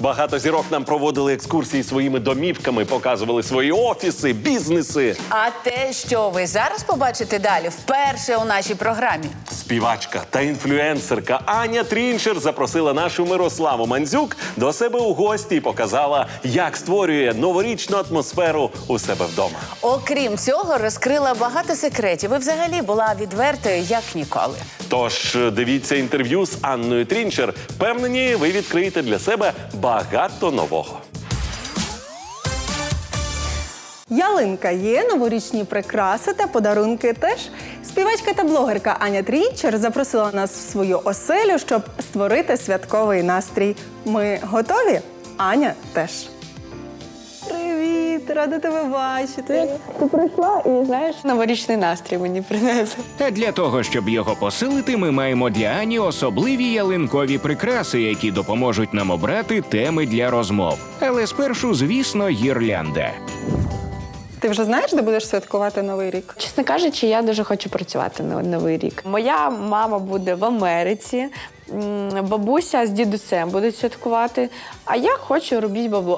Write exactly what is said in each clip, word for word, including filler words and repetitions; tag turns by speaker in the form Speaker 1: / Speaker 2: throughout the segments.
Speaker 1: Багато зірок нам проводили екскурсії своїми домівками, показували свої офіси, бізнеси.
Speaker 2: А те, що ви зараз побачите далі, вперше у нашій програмі.
Speaker 1: Співачка та інфлюенсерка Аня Трінчер запросила нашу Мирославу Мандзюк до себе у гості і показала, як створює новорічну атмосферу у себе вдома.
Speaker 2: Окрім цього, розкрила багато секретів і взагалі була відвертою, як ніколи.
Speaker 1: Тож дивіться інтерв'ю з Анною Трінчер. Впевнені, ви відкриєте для себе багато нового.
Speaker 3: Ялинка є, новорічні прикраси та подарунки теж. Співачка та блогерка Аня Трінчер запросила нас в свою оселю, щоб створити святковий настрій. Ми готові? Аня теж. Привіт, рада тебе бачити.
Speaker 4: Ти прийшла і, знаєш, новорічний настрій мені принесли.
Speaker 5: А для того, щоб його посилити, ми маємо для Ані особливі ялинкові прикраси, які допоможуть нам обрати теми для розмов. Але спершу, звісно, гірлянда.
Speaker 3: Ти вже знаєш, де будеш святкувати Новий рік?
Speaker 4: Чесно кажучи, я дуже хочу працювати на Новий рік. Моя мама буде в Америці, м, бабуся з дідусем будуть святкувати, а я хочу робити бабло.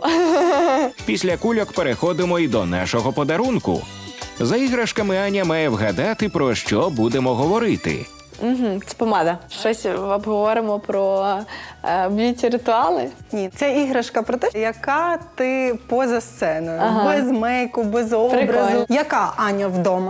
Speaker 5: Після кульок переходимо і до нашого подарунку. За іграшками Аня має вгадати, про що будемо говорити.
Speaker 4: Угу, це помада. Щось обговоримо про е, б'юті-ритуали.
Speaker 3: Ні, це іграшка про те, яка ти поза сценою.
Speaker 4: Ага.
Speaker 3: Без мейку, без образу.
Speaker 4: Прикольно.
Speaker 3: Яка Аня вдома?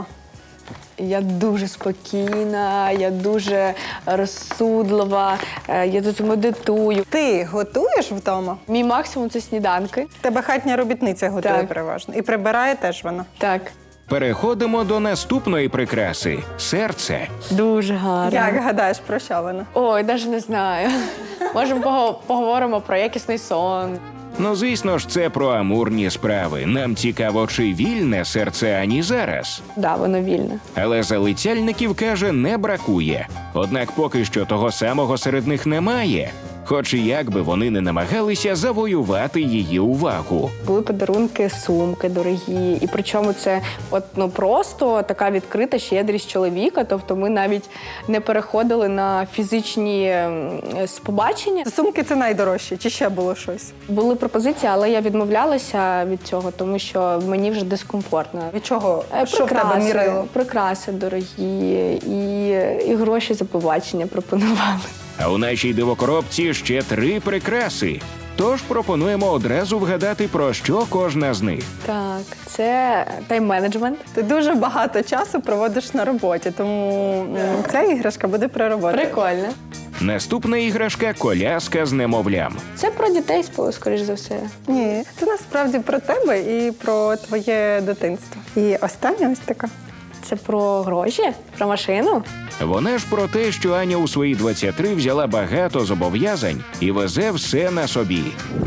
Speaker 4: Я дуже спокійна, я дуже розсудлива, е, я тут медитую.
Speaker 3: Ти готуєш вдома?
Speaker 4: Мій максимум – це сніданки.
Speaker 3: Тебе хатня робітниця готує
Speaker 4: Так.
Speaker 3: переважно. І прибирає теж вона.
Speaker 4: Так.
Speaker 5: Переходимо до наступної прикраси – серце.
Speaker 4: Дуже гарно.
Speaker 3: Як гадаєш, про що вона?
Speaker 4: Ой, навіть не знаю. Можемо пого- поговоримо про якісний сон.
Speaker 5: Ну, звісно ж, це про амурні справи. Нам цікаво, чи вільне серце Ані зараз.
Speaker 4: Да, воно вільне.
Speaker 5: Але залицяльників, каже, не бракує. Однак поки що того самого серед них немає. Хоч і як би вони не намагалися завоювати її увагу.
Speaker 4: Були подарунки, сумки дорогі. І причому це от, ну, просто така відкрита щедрість чоловіка. Тобто ми навіть не переходили на фізичні ем, побачення.
Speaker 3: Сумки – це найдорожче, чи ще було щось?
Speaker 4: Були пропозиції, але я відмовлялася від цього, тому що мені вже дискомфортно.
Speaker 3: Від чого?
Speaker 4: Е,
Speaker 3: Що в тебе мірило?
Speaker 4: прикраси дорогі, і, і гроші за побачення пропонували.
Speaker 5: А у нашій дивокоробці ще три прикраси. Тож пропонуємо одразу вгадати, про що кожна з них.
Speaker 4: Так, це тайм-менеджмент.
Speaker 3: Ти дуже багато часу проводиш на роботі, тому м, ця іграшка буде про роботу.
Speaker 4: Прикольно.
Speaker 5: Наступна іграшка – коляска з немовлям.
Speaker 4: Це про дітей, скоріш за все.
Speaker 3: Ні, це насправді про тебе і про твоє дитинство. І остання ось така.
Speaker 4: Це про гроші, про машину.
Speaker 5: Вона ж про те, що Аня у свої двадцять три взяла багато зобов'язань і везе все на собі.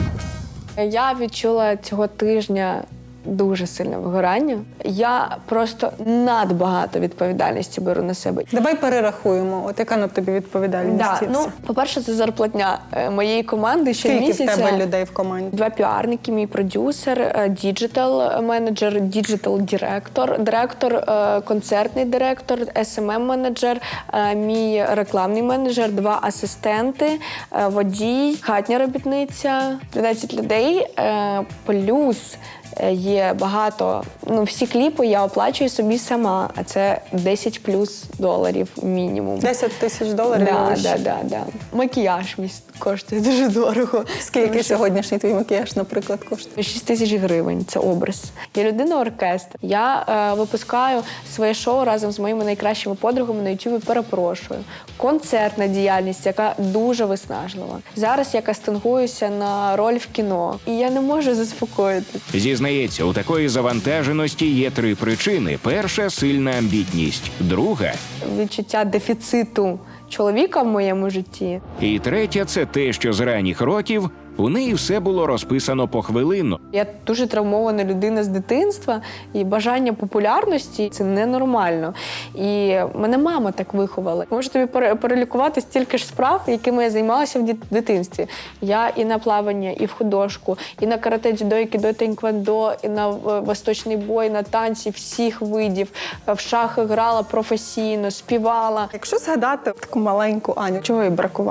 Speaker 4: Я відчула цього тижня дуже сильне вигорання. Я просто надбагато відповідальності беру на себе.
Speaker 3: Давай перерахуємо, от яка на тобі відповідальність.
Speaker 4: Да,
Speaker 3: і
Speaker 4: ну,
Speaker 3: все.
Speaker 4: по-перше, це зарплатня е, моєї команди
Speaker 3: Скільки в
Speaker 4: щомісяця.
Speaker 3: тебе людей в команді?
Speaker 4: Два піарники, мій продюсер, діджитал менеджер, діджитал директор, директор, е, концертний директор, ес ем ем менеджер, е, мій рекламний менеджер, два асистенти, е, водій, хатня робітниця, дванадцять людей, е, плюс е, є багато, ну всі кліпи я оплачую собі сама, а це десять плюс доларів мінімум.
Speaker 3: десять тисяч доларів?
Speaker 4: Да,
Speaker 3: вище.
Speaker 4: да, да, да. Макіяж мій коштує дуже дорого.
Speaker 3: Скільки
Speaker 4: Тому що
Speaker 3: сьогоднішній твій макіяж, наприклад, коштує?
Speaker 4: шість тисяч гривень, це образ. Я людина-оркестр. Я е, випускаю своє шоу разом з моїми найкращими подругами на Ютубі «Перепрошую». Концертна діяльність, яка дуже виснажлива. Зараз я кастингуюся на роль в кіно, і я не можу заспокоїтися.
Speaker 5: Зізнається, у такої завантаженості є три причини. Перша – сильна амбітність. Друга
Speaker 4: Відчуття дефіциту чоловіка в моєму житті.
Speaker 5: і третя – це те, що з ранніх років у неї все було розписано похвилинно.
Speaker 4: Я дуже травмована людина з дитинства, і бажання популярності – це ненормально. І мене мама так виховала. Можу тобі пере- перелікувати стільки ж справ, якими я займалася в дит- дитинстві. Я і на плавання, і в художку, і на карате, дзюдо, і кідо, тейквондо, і на е, восточний бой, на танці всіх видів. В шахи грала професійно, співала.
Speaker 3: Якщо згадати таку маленьку Аню, чого їй бракувало?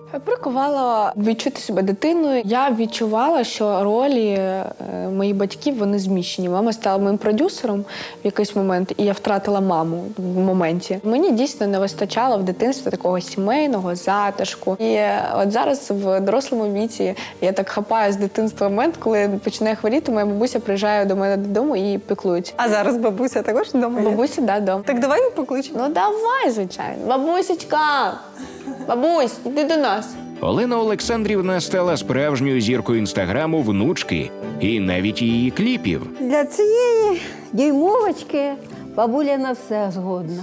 Speaker 4: Прикувала відчути себе дитиною. Я відчувала, що ролі е, моїх батьків вони зміщені. Мама стала моїм продюсером в якийсь момент, і я втратила маму в моменті. Мені дійсно не вистачало в дитинстві такого сімейного затишку. І е, от зараз в дорослому віці я так хапаю з дитинства момент, коли починає хворіти, моя бабуся приїжджає до мене додому і піклується.
Speaker 3: А зараз бабуся також вдома є?
Speaker 4: Бабуся, да, дома.
Speaker 3: Так давай її покличемо.
Speaker 4: Ну давай, звичайно. Бабусечка! Бабусь, іди до нас.
Speaker 5: Олена Олександрівна стала справжньою зіркою інстаграму внучки і навіть її кліпів.
Speaker 6: Для цієї дюймовочки бабуля на все згодна.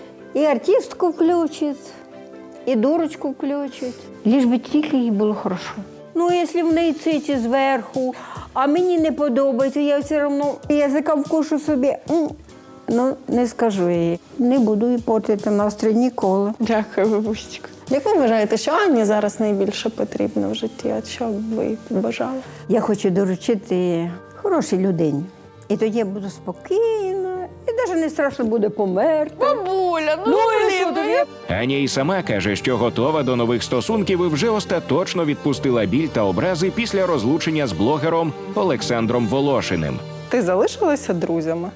Speaker 6: І артистку включить, і дурочку включить. Ліж би тільки їй було хорошо. Ну, якщо в неї циці зверху, а мені не подобається, я все одно язика вкушу собі. М, Ну, не скажу їй. Не буду їй портити настрій ніколи.
Speaker 4: Дякую, бабусечка.
Speaker 3: Як ви вважаєте, що Анні зараз найбільше потрібно в житті? От що б ви побажали?
Speaker 6: Я хочу доручити хорошій людині. І тоді я буду спокійна, і навіть не страшно буде померти.
Speaker 4: Бабуля, ну,
Speaker 6: і що тобі?
Speaker 5: Аня і сама каже, що готова до нових стосунків і вже остаточно відпустила біль та образи після розлучення з блогером Олександром Волошиним.
Speaker 3: Ти залишилася друзями?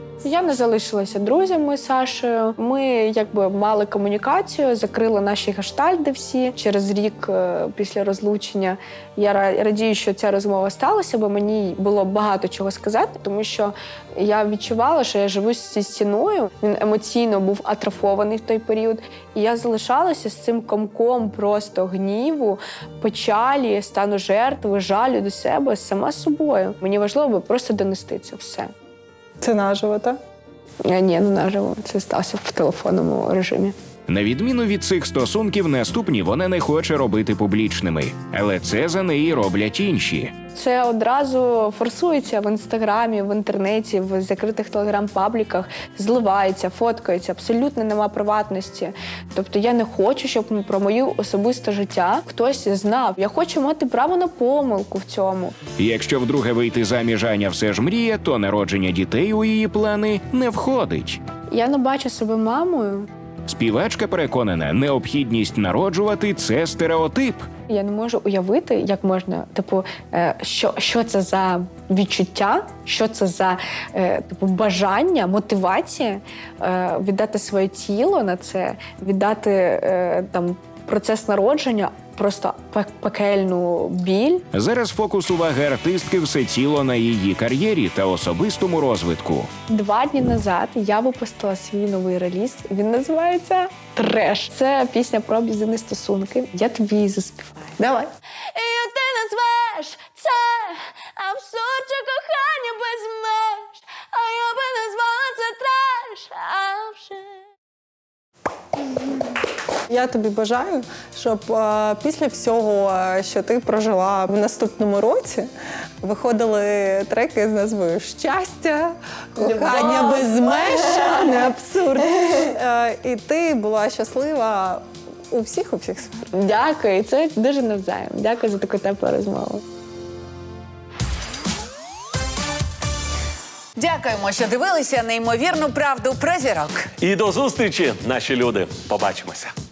Speaker 4: Я не залишилася друзями з Сашею. Ми якби мали комунікацію, закрили наші гештальди всі через рік е, після розлучення. Я ра- радію, що ця розмова сталася, бо мені було багато чого сказати, тому що я відчувала, що я живу зі стіною. Він емоційно був атрофований в той період. І я залишалася з цим комком просто гніву, печалі, стану жертви, жалю до себе сама собою. Мені важливо було просто донести це все.
Speaker 3: Це наживо, так?
Speaker 4: Е, Ні, не наживо. Це сталося в телефонному режимі.
Speaker 5: На відміну від цих стосунків, наступні вона не хоче робити публічними. Але це за неї роблять інші.
Speaker 4: Це одразу форсується в інстаграмі, в інтернеті, в закритих телеграм-пабліках, зливається, фоткається, абсолютно нема приватності. Тобто я не хочу, щоб про моє особисте життя хтось знав. Я хочу мати право на помилку в цьому.
Speaker 5: Якщо вдруге вийти заміж Аня все ж мріє, то народження дітей у її плани не входить.
Speaker 4: Я не бачу себе мамою.
Speaker 5: Співачка переконана, необхідність народжувати – це стереотип.
Speaker 4: Я не можу уявити, як можна, типу, е, що, що це за відчуття, що це за е, типу, бажання, мотивація е, віддати своє тіло на це, віддати е, там процес народження, просто пек- пекельну біль.
Speaker 5: Зараз фокус уваги артистки всеціло на її кар'єрі та особистому розвитку.
Speaker 4: Два дні назад я випустила свій новий реліз. Він називається «Треш». Це пісня про аб'юзивні стосунки. Я тобі її заспіваю.
Speaker 3: Давай.
Speaker 4: І ти назвеш це абсурд чи кохання без меж, а я би назвала це треш, а вже.
Speaker 3: Я тобі бажаю, щоб е, після всього, е, що ти прожила в наступному році, виходили треки з назвою «Щастя», «Кохання без меж», не абсурд. Е, і ти була щаслива у всіх, у всіх сферах.
Speaker 4: Дякую, це дуже навзаєм. Дякую за таку теплу розмову.
Speaker 2: Дякуємо, що дивилися неймовірну правду про зірок.
Speaker 1: І до зустрічі, наші люди. Побачимося.